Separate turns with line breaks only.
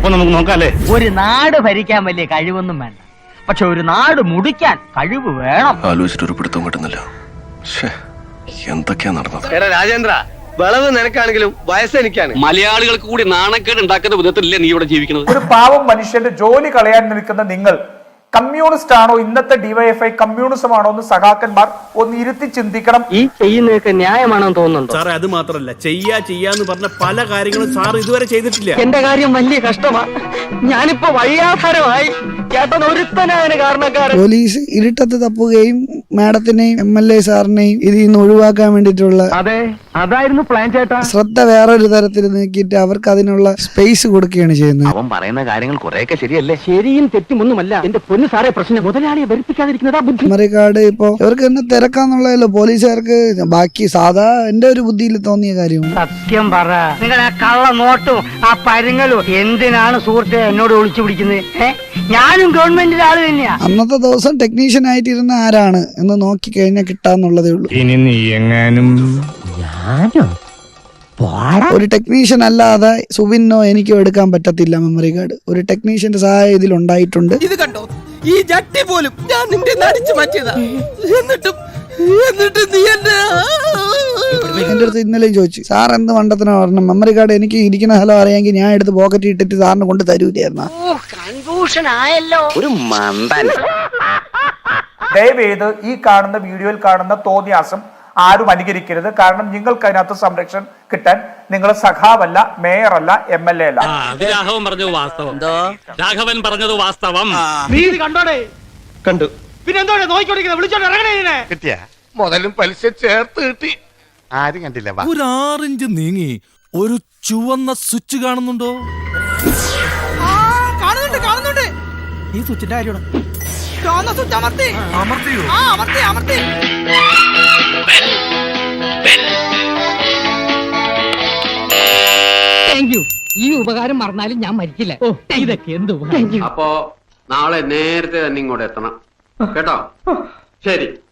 അപ്പൊ നമുക്ക് നോക്കാല്ലേ.
ഒരു നാട് ഭരിക്കാൻ വലിയ കഴിവൊന്നും വേണ്ട, പക്ഷെ ഒരു നാട് മുടിക്കാൻ കഴിവ് വേണം.
ആലോചിച്ചിട്ടൊരു പിടുത്തം കിട്ടുന്നില്ല. എന്തൊക്കെയാ നടന്നത്?
രാജേന്ദ്ര, വിളവ് നിനക്കാണെങ്കിലും വയസ്സ് എനിക്കാണ്.
മലയാളികൾക്ക് കൂടി നാണക്കേട് ഉണ്ടാക്കുന്ന വിധത്തിലല്ലേ നീ ഇവിടെ ജീവിക്കുന്നത്?
ഒരു പാവം മനുഷ്യന്റെ ജോലി കളയാൻ നിൽക്കുന്ന നിങ്ങൾ കമ്മ്യൂണിസ്റ്റ് ആണോ, ഇന്നത്തെ ഡിവൈഎഫ്ഐ കമ്മ്യൂണിസം ആണോ എന്ന് സഖാക്കന്മാർ ഒന്ന് ഇരുത്തി ചിന്തിക്കണം.
ഈ ചെയ്യുന്നതൊക്കെ ന്യായമാണെന്ന് തോന്നുന്നുണ്ടോ?
സാറേ, അത് മാത്രല്ല, ചെയ്യാന്ന് പറഞ്ഞ പല കാര്യങ്ങളും സാർ ഇതുവരെ ചെയ്തിട്ടില്ല.
എന്റെ കാര്യം വലിയ കഷ്ടമാണ്. ഞാനിപ്പോ വഴിയാധാരമായി. ചേട്ടൻ ഒരുത്തനായ കാരണക്കാരൻ.
പോലീസ് ഇരുട്ടത്ത് തപ്പുകയും മാഡത്തിനെയും MLA സാറിനെയും ഇതിൽ നിന്ന് ഒഴിവാക്കാൻ വേണ്ടിയിട്ടുള്ള
അതെ, അതായിരുന്നു പ്ലാൻ ചേട്ടാ.
ശ്രദ്ധ വേറൊരു തരത്തിൽ നീക്കിയിട്ട് അവർക്ക് അതിനുള്ള സ്പേസ് കൊടുക്കുകയാണ് ചെയ്യുന്നത്.
അവൻ പറയുന്ന കാര്യങ്ങൾ കുറെയൊക്കെ ശരിയല്ലേ?
ശരിയും തെറ്റുമൊന്നുമല്ല. എന്റെ പൊന്നു സാറേ, പ്രശ്നം മുതലാളിയെ വെറുപ്പിക്കാതിരിക്കുന്നതാ ബുദ്ധി.
മെമ്മറി കാർഡ് ഇപ്പൊ ഇവർക്ക് തന്നെ തിരക്കാന്നുള്ളതല്ലോ പോലീസുകാർക്ക്. ബാക്കി സാധാ എന്റെ ഒരു ബുദ്ധിയിൽ തോന്നിയ കാര്യമാണ്.
സത്യം പറ, നിങ്ങൾ ആ കള്ള നോട്ടും ആ പരുങ്ങലും എന്തിനാണ് സുഹൃത്തെ എന്നോട് ഒളിച്ചു പിടിക്കുന്നത്? ഞാനും ഗവൺമെന്റിന്റെ ആള് തന്നെയാ.
അന്നത്തെ ദിവസം ടെക്നീഷ്യൻ ആയിട്ടിരുന്ന ആരാണ് എന്ന് നോക്കി കഴിഞ്ഞാൽ കിട്ടാന്നുള്ളതേ ഉള്ളൂ.
ഇനി നീ എങ്ങാനും
ഒരു ടെക്നീഷ്യൻ അല്ലാതെ സുബിനോ എനിക്കോ എടുക്കാൻ പറ്റത്തില്ല മെമ്മറി കാർഡ്. ഒരു ടെക്നീഷ്യന്റെ സഹായം ഇതിൽ ഉണ്ടായിട്ടുണ്ട്.
ഇത് കണ്ടോ, ഈ ജട്ടി പോലും ഞാൻ നിന്റെ നടിച്ചു മാറ്റിയതാ. എന്നിട്ട് നീ
എന്റെ അടുത്ത് ഇന്നലെയും ചോദിച്ചു, സാർ എന്ത് മണ്ടത്തിനാ പറഞ്ഞ മെമ്മറി കാർഡ് എനിക്ക് ഇരിക്കുന്ന സ്ഥലം അറിയാമെങ്കിൽ ഞാൻ എടുത്ത് പോക്കറ്റ് ഇട്ടിട്ട് സാറിന് കൊണ്ട് തരൂലായിരുന്ന.
ഒരു മന്ദൻ.
ദയവേത് ഈ കാണുന്ന വീഡിയോയിൽ കാണുന്ന തോന്നിയാസം ആരും അനുകരിക്കരുത്. കാരണം നിങ്ങൾക്ക് അതിനകത്ത് സംരക്ഷണം കിട്ടാൻ നിങ്ങൾ സഖാവല്ല, മേയറല്ല, MLA അല്ല.
രാഘവൻ പറഞ്ഞത് വാസ്തവം. രാഘവൻ പറഞ്ഞത് വാസ്തവം.
നീ ഇത് കണ്ടോടെ?
കണ്ടു.
പിന്നെ എന്തോടെ നോക്കിക്കൊണ്ടിരിക്കുന്നത്? വിളിച്ചോണ്ട് ഇറങ്ങണേ.
കിട്ടിയ മുതലും പലിശ ചേർത്ത് കിട്ടി. ആരും കണ്ടില്ല.
ഒരു 6 ഇഞ്ച് നീങ്ങി ഒരു ചുവന്ന സ്വിച്ച് കാണുന്നുണ്ടോ?
കാണുന്നുണ്ട്. ഈ സ്വിച്ചിന്റെ കാര്യമാണ്. സ്വിച്ച് അമർത്തി.
Thank you. ഈ ഉപകാരം മറന്നാലും ഞാൻ മരിക്കില്ല. ഇതൊക്കെ എന്ത്?
അപ്പോ നാളെ നേരത്തെ തന്നെ ഇങ്ങോട്ട് എത്തണം കേട്ടോ? ശരി.